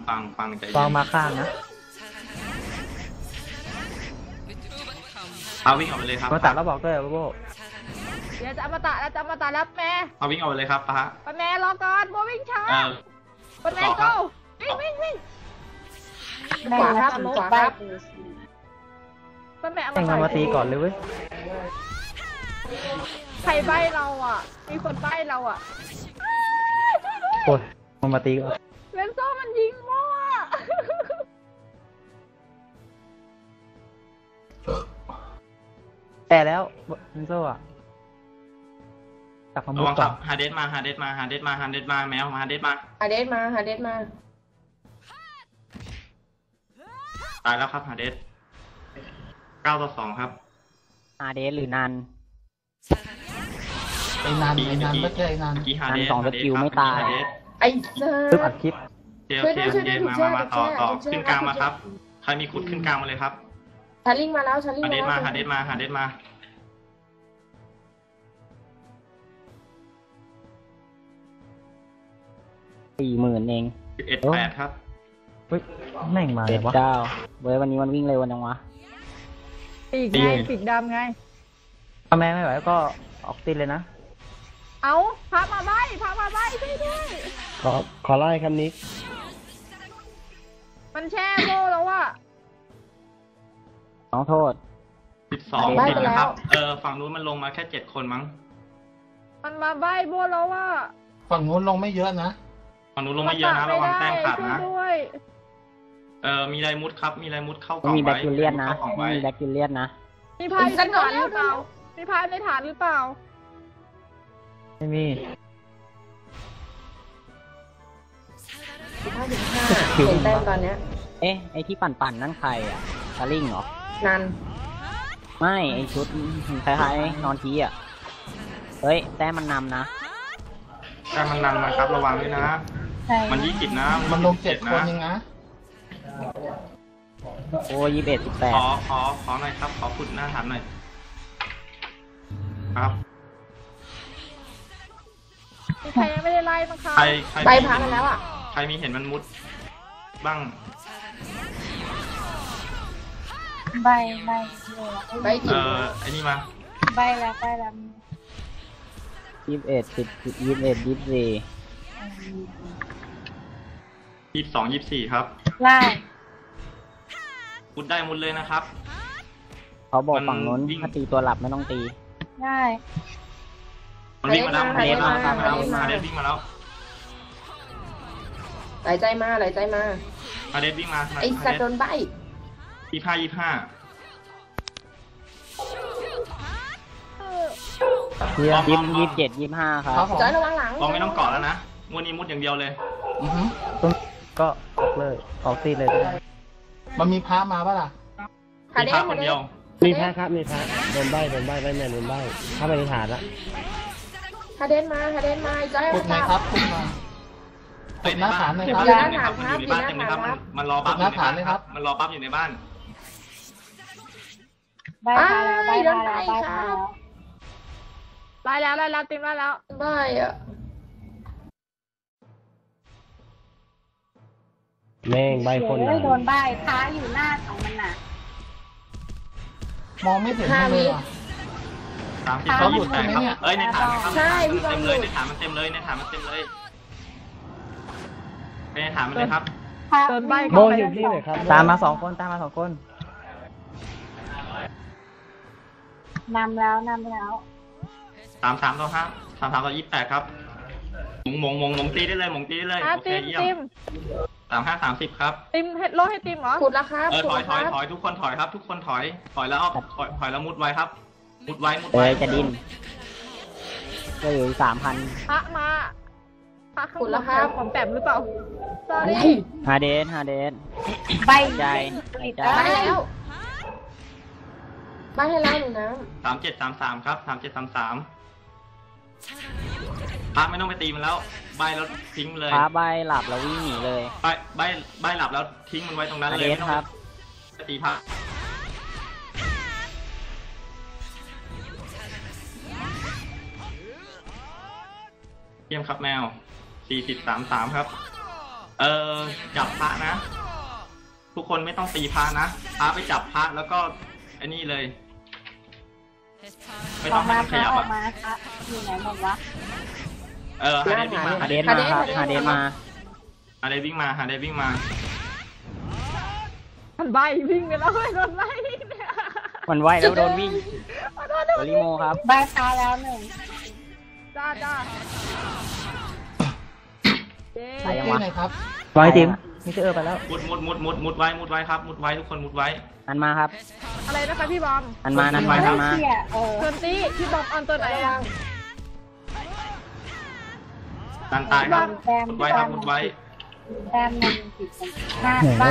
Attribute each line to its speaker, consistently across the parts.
Speaker 1: ฟังใจ
Speaker 2: ฟอ
Speaker 1: เย็
Speaker 2: ง
Speaker 1: น
Speaker 2: มาข้างนะ
Speaker 1: เอาวิ่งออกไปเลยครับ
Speaker 2: มาตัดแล้วบอกด้วยโบโบ
Speaker 3: เดี๋ยวจะอมตะแล้วจะอมตะแล้วแม่
Speaker 1: เอาวิ่งออกไปเลยครับป้า
Speaker 3: ป้าแม่รอก่อนโบวิ่งช้า
Speaker 1: เออ
Speaker 3: ป้าแม่
Speaker 1: ต่อครั
Speaker 3: go
Speaker 1: บ
Speaker 3: วิ่ง
Speaker 4: ขวาครับขวาครับ
Speaker 3: ป้าแม่เอา
Speaker 2: แต่งงานมาตีก่อนเลยเว้ย
Speaker 3: ใครใบ้เราอ่ะ มีคนใบ้เราอ่ะ
Speaker 2: โอ้ยมันมาตีก่อน
Speaker 3: เลนโซ่มันยิงมั่ว
Speaker 2: แต่แล้วเนโซ่อะกลับมา
Speaker 1: ระ
Speaker 2: มุด
Speaker 1: วังค
Speaker 2: ก่อ
Speaker 1: รั
Speaker 2: น
Speaker 1: บฮาเดสมาแมวฮาเดสมาฮาเดสมา
Speaker 4: หาเดสมา
Speaker 1: ตายแล้วครับฮาเดส9-2ครับ
Speaker 5: อาเดสหรือนัน
Speaker 6: ไอ้นันไม่ใช่ไอ้นัน
Speaker 1: เมื่อกี้ฮาเดส
Speaker 5: นันสอง
Speaker 1: ฮาเดส
Speaker 5: สกิล
Speaker 1: ครับ
Speaker 5: ไม่ตาย
Speaker 1: ฮาเดส
Speaker 4: ไอ้เ
Speaker 2: ปึ๊บอัดคลิป
Speaker 1: เจลมาต่อขึ้นกลางมาครับใครมีขุดขึ้นกลางมาเลยครับ
Speaker 4: ชาลิงมาแล้วชาลิง
Speaker 1: ฮาเดสมา
Speaker 4: แล้ว
Speaker 1: ฮาเดสมาฮาเดสมา
Speaker 5: 40,000เอง
Speaker 1: 11-8ครับ
Speaker 2: เฮ้ยแม่งมาเลยวะ
Speaker 5: 79เว้ยวันนี้มันวิ่งเร็วจังวะ
Speaker 3: ปีก
Speaker 1: ตี
Speaker 3: ไง
Speaker 1: เลย
Speaker 3: ปีกดำไง
Speaker 2: ถ้าแม่ไม่ไหวก็ออกตีเลยนะ
Speaker 3: เอาพามาใบ้ช่วยด้วย
Speaker 2: ขอไล่ครับนิก
Speaker 3: มันแช่โบแล้วอ่ะ
Speaker 5: น้องโทษ
Speaker 1: 12ติดนะครับฝั่งนู้นมันลงมาแค่7คนมั้ง
Speaker 3: มันมาใบ้โบแล้วว่า
Speaker 6: ฝั่งนู้นลงไม่เยอะนะ
Speaker 1: ฝั่งนู้นลงไม่เยอะนะระวังแต้มขาดนะ
Speaker 3: ช่วยด้วย
Speaker 1: มีไรมุดครับมีไรมุดเข้ากล่
Speaker 5: ไม่
Speaker 1: อง
Speaker 5: มีแบ
Speaker 1: ไว้
Speaker 5: คทีเรียนนะ
Speaker 1: เข้ากล่อง
Speaker 5: ไม่
Speaker 1: ไว้
Speaker 5: มีแบคทีเรียนนะ
Speaker 3: มีพายในฐานหรือเปล่ามีพายในฐานหรือเปล่า
Speaker 2: ไม่มี
Speaker 4: 15-5เห็นแต้มตอนเนี้ย
Speaker 5: เอ๊ะไอที่ปั่นนั่นใครอ่ะสลิงเหรอ
Speaker 4: นัน
Speaker 5: ไม่ไอชุดคล้ายๆนอนทีอ่ะเฮ้ยแต้มมันนำนะ
Speaker 1: แต้มมันนำนะครับระวังด้วยนะ มัน20นะ
Speaker 6: มันลง7 คน
Speaker 1: นะ
Speaker 6: เองนะ
Speaker 5: โอ้21
Speaker 1: ขอหน่อยครับขอขุดหน้าฐานหน่อยครับ
Speaker 3: มีใครยังไม่ได้ไล่มั้งคะ
Speaker 1: ใคร
Speaker 4: ใบพักมาแล้วอ่ะ
Speaker 1: ใครมีเห็นมันมุดบ้าง
Speaker 4: ใบจิ๋ว
Speaker 1: ไอ้นี่มา
Speaker 5: 18 24
Speaker 1: 22-24ครับมุดได้มุดเลยนะครับ
Speaker 5: เขาบอก
Speaker 1: มัน
Speaker 5: ฝั่งนู้น
Speaker 1: วิ่ง
Speaker 5: ถ้าตีตัวหลับไม่ต้องตี
Speaker 1: มันวิ่งมาแล้ว
Speaker 4: ฮาเดสมา
Speaker 1: ฮาเดสวิ่งมาแล้ว
Speaker 4: ไหลใจมา
Speaker 1: ฮาเดสวิ่งมา
Speaker 4: ไอ้สัตว์โดนใบ
Speaker 1: 25
Speaker 2: เฮีย
Speaker 5: 27 25 ครับ
Speaker 6: ครับผม
Speaker 4: จอยระวังหลัง
Speaker 1: เราไม่ต้องเกาะแล้วนะงวดนี้มุดอย่างเดียวเลย
Speaker 6: อือฮึ
Speaker 2: ต้นก็ออกเลย ออกตีเลยก็ได้
Speaker 6: มันมีพระมาปะล่ะ
Speaker 4: ฮา
Speaker 1: มี
Speaker 4: เด
Speaker 1: พระ
Speaker 4: ส
Speaker 1: คนเดียว
Speaker 2: มีแพ้ครับมีแพ้โดนใบแม่โดนใบเข้าไปในฐานละ
Speaker 4: ฮาเดสมาจอย
Speaker 6: ขุดไหนครับขุดมา
Speaker 1: เฮ้ย
Speaker 6: หน้าฐานเลยครับ
Speaker 1: อยู่ในบ้านมันอยู่ในบ้านเต็มเลยครับมันรอบัฟ
Speaker 6: หน้าฐานเลยครับ
Speaker 1: มันรอบัฟอยู่ในบ้าน
Speaker 4: โดนใบครับ
Speaker 3: ไล่แล้วติมไล่แล้ว
Speaker 4: ใบอ่ะ
Speaker 2: แม่งใบคน
Speaker 7: โดนใบท้าอยู่หน้าของมันน่ะ
Speaker 6: มองไม่เห็นมันเลยอ่ะ
Speaker 1: 30
Speaker 6: เขาหลุดใช่ไหมเนี่ย
Speaker 1: เอ้ยในฐานครับ
Speaker 4: ใช่พี่
Speaker 1: เต็ม
Speaker 4: บอล
Speaker 1: เลยในฐานมันเต็มเลยในฐานมันเต็มเลยไปในฐานมันเลยครับ
Speaker 3: โดนใบ้
Speaker 2: โบอยู่ที่ไหนครับตามมา2 คน
Speaker 7: นำแล้ว
Speaker 1: 33-5 33-28ครับหมงตีได้เลยหมงตีได้เลย
Speaker 3: อ่ะ
Speaker 1: โอเค
Speaker 3: ติม
Speaker 1: เยี่ยม35-30ครับ
Speaker 3: ติมโลให้ติมเหรอ
Speaker 4: ขุดแล้วครับ
Speaker 1: ถอยทุกคนถอยครับทุกคนถอยแล้วถอยแล้วมุดไว้ครับมุดไว้
Speaker 5: จะดิ้นก็อยู่ 3,000
Speaker 3: พระมาพระข้างบนของแปมหรือเปล่า
Speaker 4: อะไร
Speaker 3: sorry
Speaker 5: ฮาเดส
Speaker 7: ใบ
Speaker 5: ใจ
Speaker 4: ใบแล้วใบให้แล้วหนูน้
Speaker 1: 37-33ครับ37-33พระไม่ต้องไปตีมันแล้วใบแล้วทิ้งเลย
Speaker 5: ฟ้าใบหลับแล้ววิ่งหนีเลย
Speaker 1: ใบหลับแล้วทิ้งมันไว้ตรงนั้น
Speaker 5: ฮา
Speaker 1: เล
Speaker 5: เด
Speaker 1: ย
Speaker 5: ส
Speaker 1: ไม่ต้อง
Speaker 5: ครับ
Speaker 1: ไปตีพระเยี่ยมครับแมว40-33ครับจับพระนะ ทุกคนไม่ต้องตีพระนะพระไปจับพระแล้วก็ไอ้นี่เลย ไม่
Speaker 7: อ
Speaker 1: ต้
Speaker 7: อ
Speaker 1: อง
Speaker 7: ก
Speaker 1: ให้
Speaker 7: มา
Speaker 1: มันข
Speaker 7: ค่ะ
Speaker 1: ยับ
Speaker 7: ออ
Speaker 1: อ่ะ
Speaker 7: กมาค่ะอยู่ไหนหมดวะ
Speaker 1: ฮาเดสวิ่งมา
Speaker 5: ฮาเดสมาครับฮาเดสมา
Speaker 1: ฮาเดสวิ่งมาฮาเดสวิ่งมา
Speaker 3: มันใบวิ่งไปแล้วโดนใบวิ่งเนี่ย
Speaker 5: มันไหวแล้วโดนวิ่งโอริโมครับ
Speaker 7: ใบพาแล้วหนึ่ง
Speaker 3: จ้าเย้
Speaker 5: ไปยัง
Speaker 6: ที่
Speaker 5: วะ
Speaker 6: ไหนครับ
Speaker 5: ไว้ติมมิสเตอร์ไปแล้ว
Speaker 1: มุดไว้ครับมุดไว้ทุกคนมุดไว้
Speaker 5: อันมาครับ
Speaker 3: อะไรนะคะพี่บอม
Speaker 5: อันมาอันมาอันมา
Speaker 7: เชี่ย
Speaker 3: เทิร์นตี้พี่บอมออนตัวไหนอะ
Speaker 1: ดันตายครับมุดไว้ครับมุดไว้
Speaker 7: แต้มมันติดกันหน้าใบ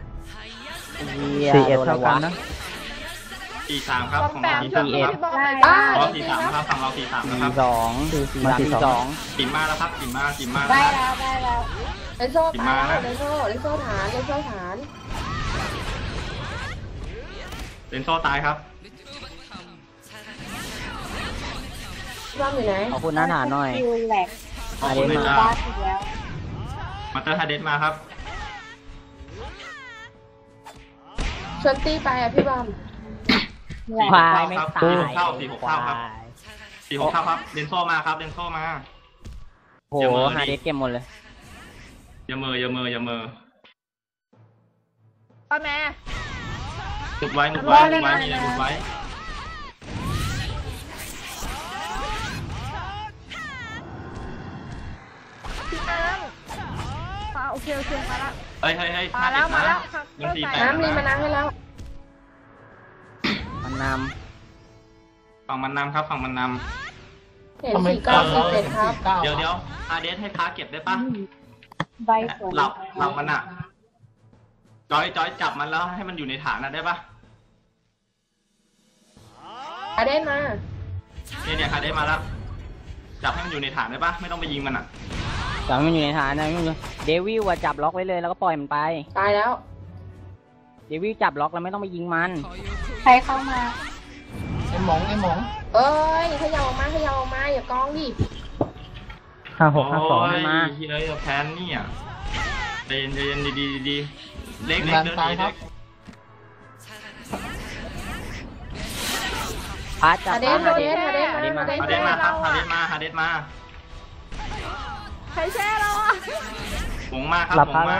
Speaker 5: 4 เท่ากันนะ
Speaker 1: 43ครับ
Speaker 3: บอม
Speaker 1: ของ
Speaker 3: แป
Speaker 1: เรา
Speaker 3: ม
Speaker 1: 43
Speaker 3: ช่วยพี่บอมหน่อย
Speaker 7: ได้
Speaker 1: เรา43ครับฝั่งเรา43นะครับ
Speaker 5: 42
Speaker 1: กินมาแล้วครับกินมา
Speaker 7: ได้
Speaker 1: แล้ว
Speaker 7: แล้วได้แล้ว
Speaker 4: เลนโซ่ตายแล้วเลนโซ่ฐานเลนโซ่ฐาน
Speaker 1: เลนโซ่ตายครับ
Speaker 4: ร่างอยู่ไหน
Speaker 5: ขอบคุณหน้าฐานหน่อย
Speaker 7: คิวแหลก
Speaker 1: ขอบคุณเลยจ้า
Speaker 7: บ้าอีกแล้ว
Speaker 1: มาเตอร์ฮาเดสมาครับ
Speaker 4: ชวนตี้ไปอ่ะพี่บอม
Speaker 7: แหลก
Speaker 5: ควายไม่ตาย
Speaker 1: 4-6 เท่าครับ 4-6 เท่าครับเลนโซ่มาครับเลนโซ่มา
Speaker 5: โหฮาเดสเก็บหมดเลย
Speaker 1: อย่าเมอ
Speaker 3: ป้าแม่
Speaker 1: มุดไว้มีอะไรมุดไว้
Speaker 3: พี่น้ำโอเคมาละ
Speaker 1: เฮ้ย
Speaker 3: มาแล้วครับ
Speaker 1: ยัง4 8
Speaker 4: น้ำรีมานั่งให้แล้ว
Speaker 5: มันน
Speaker 1: ฝั่งมันนำครับฝั่งมันน
Speaker 4: เห็น
Speaker 6: ทำไม
Speaker 4: 4947ครับ
Speaker 1: ำเดี๋ยวฮาเดสให้พาเก็บได้ปะ
Speaker 7: ใบสวย
Speaker 1: หลับมันอ่ะจอยจับมันแล้วให้มันอยู่ในฐานนะได้ปะ
Speaker 4: อาเดนมา
Speaker 1: เนี่ยฮาเดสมาแล้วจับให้มันอยู่ในฐานได้ปะไม่ต้องไปยิงมันอ่ะ
Speaker 5: ำจับมันอยู่ในฐานนะเดวิลอะจับล็อกไว้เลยแล้วก็ปล่อยมันไป
Speaker 4: ตายแล้ว
Speaker 5: เดวิลจับล็อกแล้วไม่ต้องไปยิงมัน
Speaker 7: ใครเข้ามา
Speaker 6: ไอ้หมอง
Speaker 4: เอ้ยขยับออกมาอย่ากองดิ
Speaker 1: โอ้ยเฮ้ยแพนนี่อ่ะใจเย็นดีเล็กเดินดีเล็ก
Speaker 5: พาจับ
Speaker 4: อาเด
Speaker 5: พาน
Speaker 4: อาเดน
Speaker 1: ฮาเดสมาครับฮาเดสมา
Speaker 3: ใครแช่เราอ่ะ
Speaker 1: หงมาครับหงมา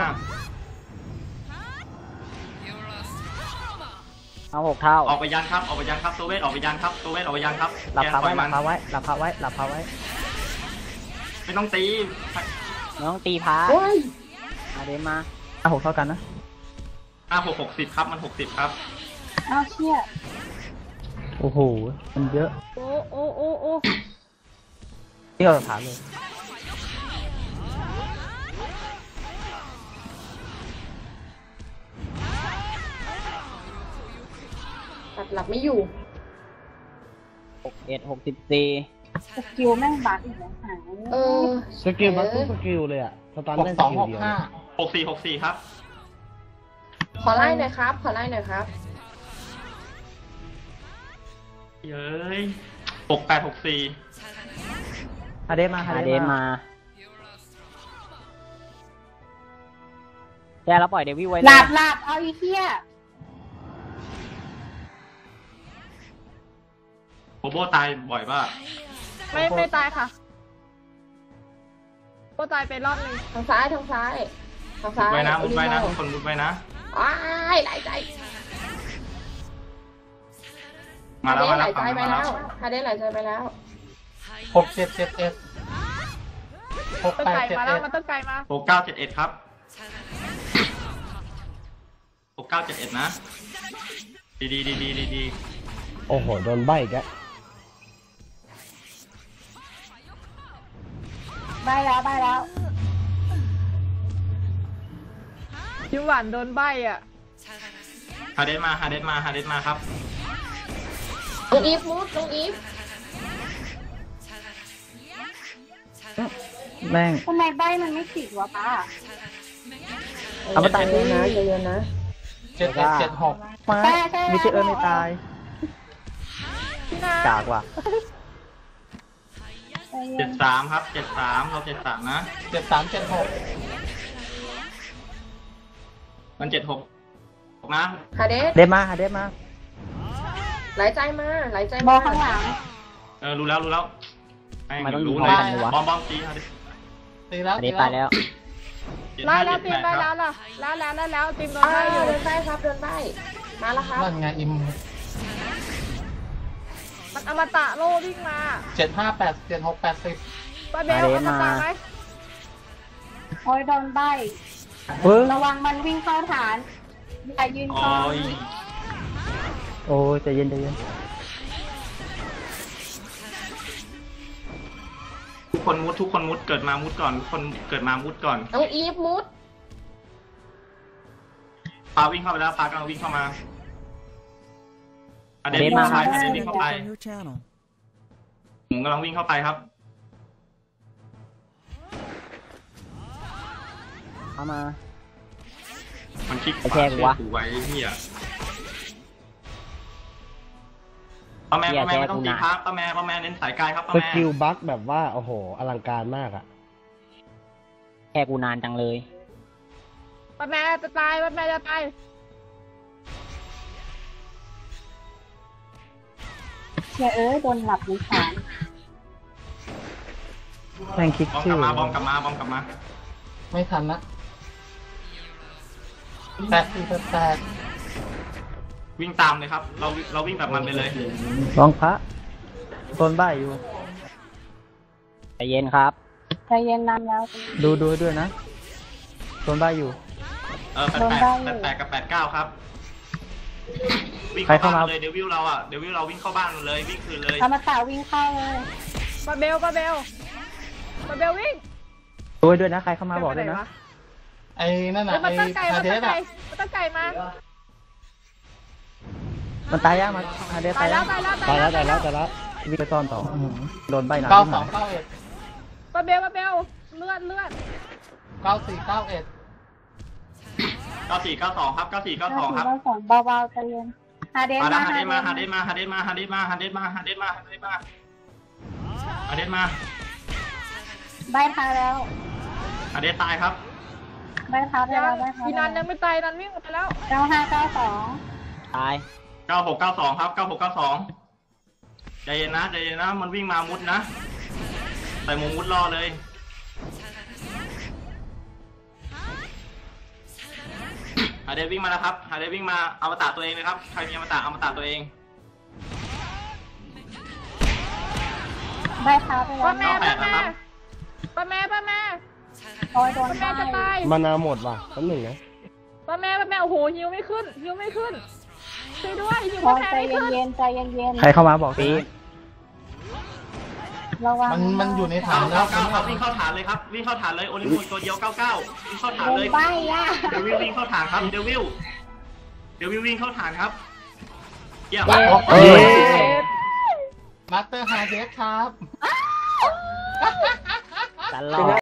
Speaker 5: เอา6 เท่า
Speaker 1: ออกไปยันครับตัวเวทออกไปยันครับ
Speaker 5: หลับ
Speaker 1: แก
Speaker 5: พา
Speaker 1: ปล่
Speaker 5: ไว้
Speaker 1: อย
Speaker 5: หลั
Speaker 1: มั
Speaker 5: บ
Speaker 1: น
Speaker 5: พาไว้หลับพาไว้หลับพาไว้
Speaker 1: ไม่ต้องตี
Speaker 5: ไม่ต้องตีพา
Speaker 4: โอ้ย
Speaker 5: ฮาเดสมา6 เท่ากันนะ
Speaker 1: 60ครับมัน60ครับ
Speaker 7: เอาเชี่ย
Speaker 5: โอ้โหมันเยอะ
Speaker 3: โอ้
Speaker 5: นี่เราถามเลย
Speaker 4: ตัดหลับไม่อยู่
Speaker 5: 61 64
Speaker 7: สกิลแม่งบักอีกแล้วหาย
Speaker 4: เออ
Speaker 2: สกิลบัตทุกสกิลเลยอะสตันได้สกิลเดียว
Speaker 6: 6265
Speaker 1: ครับ
Speaker 4: ขอไล่หน่อยครับ
Speaker 1: เย้ย68 64
Speaker 5: ฮาเดสมาแกเราปล่อยเดวิลไว้
Speaker 7: ห
Speaker 5: เลย
Speaker 7: ลับเอาอีเหี้ย
Speaker 1: โบโบตายบ่อยป่ะ
Speaker 3: ไม่ตายค่ะก็ตายไปรอบนึง
Speaker 4: ทางซ้าย
Speaker 1: มุดไว้นะทุกคนมุดไว้นะ
Speaker 4: อ้ายไหลใจ
Speaker 1: มาแล้ว
Speaker 4: ไหลใจไปแล้วฮาเดนไหลใจไปแล้ว
Speaker 6: 6771
Speaker 3: ต้นไก่มาแล้วมันต้นไก่มา
Speaker 1: 6971ครับ6971นะดี
Speaker 2: โอ้โหโดนใบอีกแล้ว
Speaker 7: ได้แล้ว
Speaker 3: ยิ้มหวานโดนใบอ่ะ
Speaker 1: ฮาเดสมาครับ
Speaker 4: น้องอีฟมุดน้องอีฟ
Speaker 5: แม่ง
Speaker 7: ทำไมใบมันไม่ติดวะป้า
Speaker 5: เอามาตาย
Speaker 4: ใจเย็นนะ
Speaker 6: 7176
Speaker 5: มามิเชอร์ไม่ตาย
Speaker 3: พี่นา
Speaker 5: จากว่ะ
Speaker 1: 73ครับ73เรา73นะ
Speaker 6: 7376
Speaker 1: มัน76นะ
Speaker 4: ฮาเดส
Speaker 5: เดมาหาเดมา
Speaker 4: ไหลใจมาไหลใจ
Speaker 7: บอ
Speaker 4: มา
Speaker 7: ลข้างหลัง
Speaker 1: รู้แล้ว
Speaker 5: ทำไมต้องยิง
Speaker 1: เล
Speaker 5: พร้อม
Speaker 1: ย
Speaker 5: กันเลยวะ
Speaker 1: บอมตีครับ
Speaker 6: ตีแล้ว
Speaker 5: อันนี้ตายแล้ว
Speaker 3: ไล่แล้วตีมไล่แล้วล่ะแล้วตีมโดนไล่อยู่
Speaker 4: เดินได้ครับเดินได้มาแล้วครับ
Speaker 6: นั่นไงอิม
Speaker 3: มันอมตะโลวิ่งมา
Speaker 6: 758 76 80
Speaker 3: ป้าเบลอมตะไหม
Speaker 7: โอ้ยโดนใบ
Speaker 5: เฮ้ย
Speaker 7: ระวังมันวิ่งเข้าฐานอย่ายืน
Speaker 1: โอ้
Speaker 7: กอง
Speaker 1: ย
Speaker 5: โอ้ยใจเย็นใจเย็น
Speaker 1: ทุกคนมุดเกิดมามุดก่อนทุกคนเกิดมามุดก่อน
Speaker 4: น้องอีฟมุด
Speaker 1: ปาวิ่งเข้าไปแล้วปากำลังวิ่งเข้ามาอเดนวิ่งเข้าไปอเดนวิ่งเข้าไปผมกำลังวิ่งเข้าไปครับ
Speaker 5: เข้ามา
Speaker 1: มันคลิก
Speaker 5: ไอ้แค่กูวะ
Speaker 1: ถูไว้เฮียป้าแม่ไม่ต้องตีพักป้าแม่เน้นสายกายครับป้า
Speaker 2: ส
Speaker 1: แม่
Speaker 2: กิลบัคแบบว่าโอ้โหอลังการมากอ่ะ
Speaker 5: แค่กูนานจังเลย
Speaker 3: ป้าแม่จะตายป้าแม่จะตาย
Speaker 7: เชียโดนหลับในฐาน
Speaker 5: แม่งคิด
Speaker 1: บอม
Speaker 5: ชื่
Speaker 1: ก
Speaker 5: อ
Speaker 1: ลับมา
Speaker 6: ไม่ทันนะ8
Speaker 1: วิ่งตามเลยครับ เราวิ่งแบบมันไปเลย
Speaker 5: ลองพระต้นใบอยู่ใจเย็นครับ
Speaker 7: ใจเย็นนานแล้ว
Speaker 5: ดูด้วยนะต้นใบอยู่
Speaker 1: 88กับ89ครับวิ่งเข้าบ้านเลยเดวิลเราวิ่งเข้าบ้านเลยวิ่งคืนเลย
Speaker 7: อมตะวิ่งเข้าเลย
Speaker 3: ป้าเบลวิ่ง
Speaker 5: ด้วยนะใครเข้ามาบอกด้วยนะ
Speaker 6: ไอ้นั่นน่ะ
Speaker 3: มั
Speaker 6: ไอ้
Speaker 3: นตั้งไก่
Speaker 6: ฮาเดสอ่ะ
Speaker 3: มันตั้งไก่มา
Speaker 5: มันตายยังมันหาเด
Speaker 3: ตายแล้ว
Speaker 2: ตายแล้ว
Speaker 5: วิ่งไปซ่อนต่อโดนใบหนา
Speaker 6: 92 91
Speaker 3: ป้าเบลเลือด
Speaker 6: 94 91
Speaker 1: 9492ครับ9492ครับ
Speaker 7: เบาๆใจเย็นฮาเดส
Speaker 1: มา
Speaker 7: มา
Speaker 1: ฮาเดนมา
Speaker 7: ใบทาแล้ว
Speaker 1: ฮาเดนตายครับ
Speaker 7: ใบทาไปแล้วใบทา
Speaker 3: พี่นันยังไม่ตายนันวิ่งไปแล้ว
Speaker 7: 9592
Speaker 5: ตาย
Speaker 1: 9692ครับ9692ใจเย็นนะมันวิ่งมามุดนะใส่มุมมุดรอเลยฮาเดนวิ่งมาแล้วครับฮาเดนวิ่งมาอมตะตัวเองเลยครับใครมีอมตะตัวเอง
Speaker 7: ใบทาไปแล้ว
Speaker 3: ป้าแม่
Speaker 7: โอ้ยโดน
Speaker 3: ป้าแม่จะตาย
Speaker 2: มานาหมดว่ะแป๊บหนึ่งนะ
Speaker 3: ป้าแม่โอ้โหฮิวไม่ขึ้นช่วยด้วยฮิว
Speaker 7: โอ้ย
Speaker 3: แพ้
Speaker 7: ใจ
Speaker 3: ไม่ขึ้น
Speaker 7: เย็นใจเย็น
Speaker 5: ใครเข้ามาบอกสิ
Speaker 7: ระวัง
Speaker 6: มันอยู่ในฐานแล้ว
Speaker 1: 99วิ่งเข้าฐานเลยครับวิ่งเข้าฐานเลยโอลิมปิกตัวเดียว99วิ่งเข้าฐาน
Speaker 7: โด
Speaker 1: เล
Speaker 7: น
Speaker 1: ย
Speaker 7: ใบอ่ะ
Speaker 1: เดวิลวิ่งเข้าฐานครับเดวิลวิ่งเข้าฐานครับเยี่ยม
Speaker 6: มาสเตอร์ฮาเดสครับ
Speaker 5: ตลอด